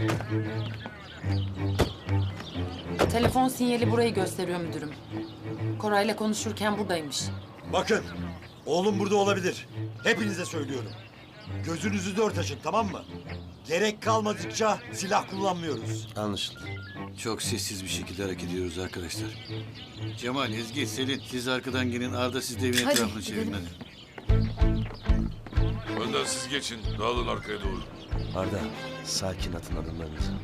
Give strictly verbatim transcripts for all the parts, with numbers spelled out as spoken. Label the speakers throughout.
Speaker 1: Telefon sinyali burayı gösteriyor müdürüm. Koray'la konuşurken buradaymış.
Speaker 2: Bakın, oğlum burada olabilir. Hepinize söylüyorum. Gözünüzü dört açın, tamam mı? Gerek kalmadıkça silah kullanmıyoruz.
Speaker 3: Anlaşıldı.
Speaker 4: Çok sessiz bir şekilde hareket ediyoruz arkadaşlar. Cemal, Ezgi, Selin siz arkadan gelin. Arda siz de evin
Speaker 1: Hadi,
Speaker 4: etrafını çevirin
Speaker 1: gidelim.
Speaker 4: hadi.
Speaker 5: Önden siz geçin. Dağılın arkaya doğru.
Speaker 3: Arda, sakin atın adımlarınızı.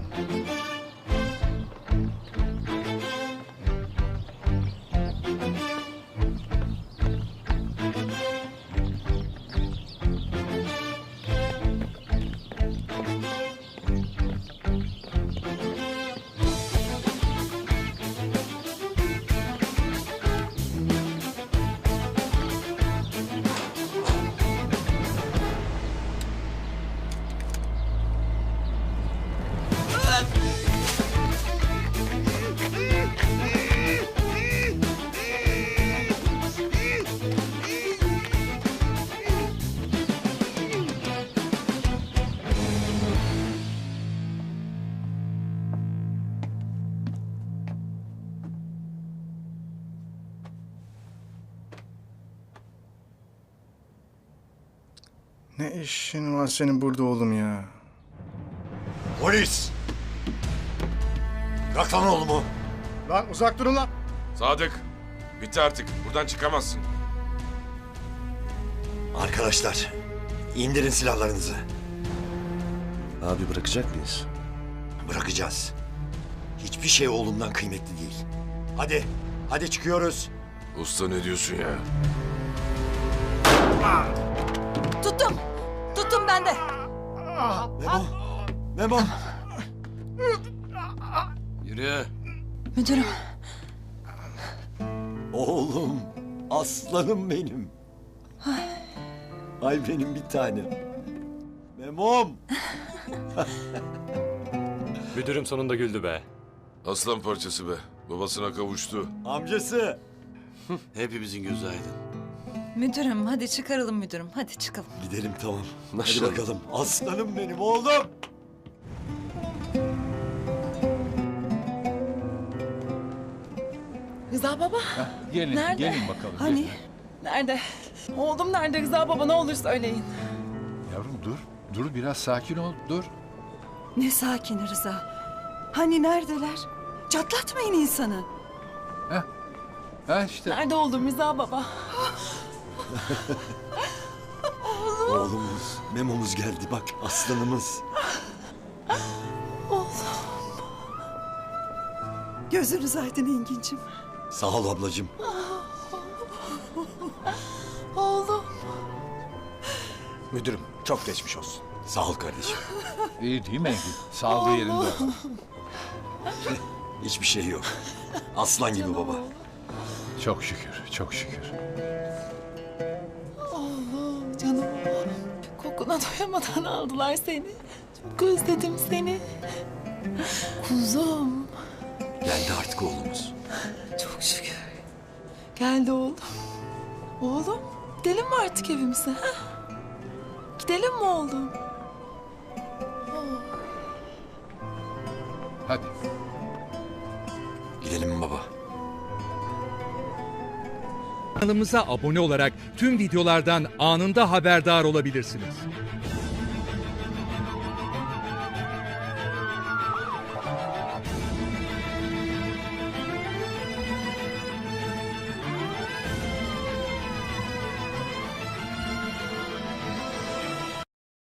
Speaker 6: Ne işin var senin burada oğlum ya?
Speaker 2: Polis! Bırak lan oğlumu.
Speaker 6: Lan uzak durun lan!
Speaker 5: Sadık, bitti artık. Buradan çıkamazsın.
Speaker 2: Arkadaşlar, indirin silahlarınızı.
Speaker 3: Abi bırakacak mıyız?
Speaker 2: Bırakacağız. Hiçbir şey oğlumdan kıymetli değil. Hadi, hadi çıkıyoruz.
Speaker 5: Usta ne diyorsun ya?
Speaker 1: Tuttum! Tuttum ben de!
Speaker 2: Memo, Memo.
Speaker 4: Yürü.
Speaker 1: Müdürüm.
Speaker 2: Oğlum, aslanım benim. Ay benim bir tanem. Memom.
Speaker 7: Müdürüm sonunda güldü be.
Speaker 5: Aslan parçası be. Babasına kavuştu.
Speaker 2: Amcası.
Speaker 4: Hepimizin gözü aydın.
Speaker 8: Müdürüm hadi çıkaralım müdürüm. Hadi çıkalım.
Speaker 2: Gidelim tamam. Hadi
Speaker 3: Maşallah.
Speaker 2: bakalım. Aslanım benim oğlum.
Speaker 9: Rıza baba,
Speaker 10: Gelin,
Speaker 9: Nerede?
Speaker 10: gelin bakalım.
Speaker 8: Hani?
Speaker 10: gelin.
Speaker 9: nerede? Oğlum nerede Rıza baba, ne olur söyleyin.
Speaker 10: Yavrum dur, dur biraz sakin ol, dur.
Speaker 8: Ne sakin Rıza. Hani neredeler? Çatlatmayın insanı.
Speaker 10: Ha işte,
Speaker 9: Nerede oğlum Rıza baba?
Speaker 2: Oğlumuz, Memo'muz geldi bak aslanımız.
Speaker 8: Gözünüz aydın Engin'cim.
Speaker 2: Sağ ol ablacığım.
Speaker 9: Oğlum.
Speaker 6: Müdürüm çok geçmiş olsun.
Speaker 2: Sağ ol kardeşim.
Speaker 10: iyi değil mi Engin? Sağlığı yerinde.
Speaker 2: Hiçbir şey yok. Aslan gibi baba.
Speaker 10: Çok şükür, çok şükür.
Speaker 9: Oğlum, canım oğlum. Kokuna doyamadan aldılar seni. Çok özledim seni. Kuzum.
Speaker 2: Geldi artık oğlumuz.
Speaker 9: Çok şükür. Geldi oğlum. Oğlum, gidelim mi artık evimize? Ha? Gidelim mi oğlum?
Speaker 10: Hadi.
Speaker 2: Gidelim mi baba?
Speaker 11: Kanalımıza abone olarak tüm videolardan anında haberdar olabilirsiniz.